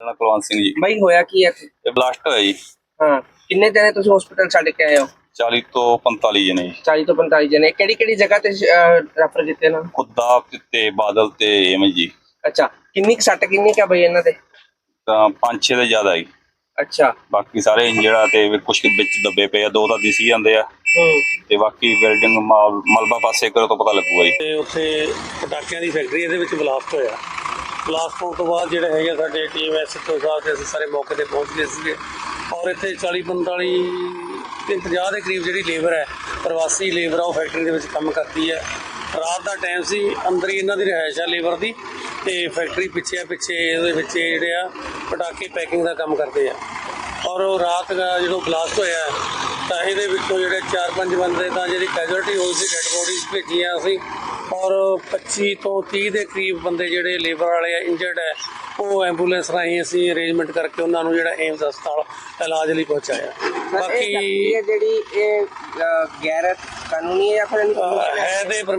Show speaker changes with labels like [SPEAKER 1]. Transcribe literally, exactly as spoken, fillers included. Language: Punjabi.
[SPEAKER 1] ਨਾਂ ਕੁਲਵੰਤ ਸਿੰਘ ਜੀ।
[SPEAKER 2] ਬਾਈ ਹੋਇਆ ਕੀ ਹੈ?
[SPEAKER 1] ਇਹ ਬਲਾਸਟ ਹੋਇਆ ਜੀ।
[SPEAKER 2] ਹਾਂ, ਕਿੰਨੇ ਜਣੇ ਤੁਸੀਂ ਹਸਪੀਟਲ ਛੱਡ ਕੇ ਆਏ ਹੋ?
[SPEAKER 1] ਚਾਲੀ ਤੋਂ ਪੰਤਾਲੀ ਜਣੇ ਜੀ।
[SPEAKER 2] ਚਾਲੀ ਤੋਂ ਪੰਤਾਲੀ ਜਣੇ। ਕਿਹੜੀ ਕਿਹੜੀ ਜਗ੍ਹਾ ਤੇ ਰੈਫਰ ਕੀਤੇ ਨਾ?
[SPEAKER 1] ਖੁੱਦਾ ਤੇ ਬਾਦਲ ਤੇ ਐਵੇਂ ਜੀ।
[SPEAKER 2] ਅੱਛਾ, ਕਿੰਨੀ ਕੁ ਸੱਟ ਕਿੰਨੀ ਕੁ ਆ ਬਈ ਇਹਨਾਂ ਦੇ?
[SPEAKER 1] ਤਾਂ ਪੰਜ ਛੇ ਦੇ ਜ਼ਿਆਦਾ ਜੀ।
[SPEAKER 2] ਅੱਛਾ,
[SPEAKER 1] ਬਾਕੀ ਸਾਰੇ ਇੰਜਰਡ ਆ ਤੇ ਕੁਛ ਵਿੱਚ ਦੱਬੇ ਪਏ ਆ, ਦੋ ਤਾਂ ਦਿਸੀ ਜਾਂਦੇ ਆ
[SPEAKER 2] ਹੂੰ,
[SPEAKER 1] ਤੇ ਬਾਕੀ ਬਿਲਡਿੰਗ ਮਲਬਾ ਪਾਸੇ ਕਰੋ ਤਾਂ ਪਤਾ ਲੱਗੂਗਾ ਜੀ।
[SPEAKER 3] ਤੇ ਉੱਥੇ ਪਟਾਕਿਆਂ ਦੀ ਫੈਕਟਰੀ ਇਹਦੇ ਵਿੱਚ ਬਲਾਸਟ ਹੋਇਆ। ਬਲਾਸਟ ਹੋਣ ਤੋਂ ਬਾਅਦ ਜਿਹੜੇ ਹੈਗੇ ਸਾਡੇ ਟੀਮ ਐਸਐਚਓ ਸਾਹਿਬ ਤੇ ਅਸੀਂ ਸਾਰੇ ਮੌਕੇ ਤੇ ਪਹੁੰਚ ਗਏ ਸੀਗੇ ਔਰ ਇੱਥੇ ਚਾਲੀ ਪੰਤਾਲੀ ਤੇ ਪੰਜਾਹ ਦੇ ਕਰੀਬ ਜਿਹੜੀ ਲੇਬਰ ਹੈ, ਪ੍ਰਵਾਸੀ ਲੇਬਰ ਆ, ਉਹ ਫੈਕਟਰੀ ਦੇ ਵਿੱਚ ਕੰਮ ਕਰਦੀ ਹੈ। ਰਾਤ ਦਾ ਟਾਈਮ ਸੀ, ਅੰਦਰ ਹੀ ਇਹਨਾਂ ਦੀ ਰਿਹਾਇਸ਼ ਆ ਲੇਬਰ ਦੀ ਤੇ ਫੈਕਟਰੀ ਪਿੱਛੇ ਆ, ਪਿੱਛੇ ਇਹਦੇ ਵਿੱਚ ਜਿਹੜੇ ਆ ਪਟਾਕੇ ਪੈਕਿੰਗ ਦਾ ਕੰਮ ਕਰਦੇ ਆ। ਔਰ ਉਹ ਰਾਤ ਦਾ ਜਦੋਂ ਬਲਾਸਟ ਹੋਇਆ ਤਾਂ ਇਹਦੇ ਵਿੱਚੋਂ ਜਿਹੜੇ ਚਾਰ ਪੰਜ ਬੰਦੇ ਤਾਂ ਜਿਹੜੀ ਕੈਜੁਅਲਟੀ ਹੋਈ ਸੀ, ਡੈਡ ਬੋਡੀਜ਼ ਭੇਜੀਆਂ ਅਸੀਂ ਔਰ ਪੱਚੀ ਤੋਂ ਤੀਹ ਦੇ ਕਰੀਬ ਬੰਦੇ ਜਿਹੜੇ ਲੇਬਰ ਵਾਲੇ ਆ ਇੰਜਰਡ ਹੈ, ਉਹ ਐਂਬੂਲੈਂਸ ਰਾਹੀਂ ਅਸੀਂ ਅਰੇਂਜਮੈਂਟ ਕਰਕੇ ਉਹਨਾਂ ਨੂੰ ਜਿਹੜਾ ਏਮਸ ਹਸਪਤਾਲ ਇਲਾਜ ਲਈ ਪਹੁੰਚਾਇਆ।
[SPEAKER 2] ਬਾਕੀ ਜਿਹੜੀ ਇਹ ਗੈਰ ਕਾਨੂੰਨੀ ਹੈ ਜਾਂ ਫਿਰ
[SPEAKER 3] ਹੈ ਤੇ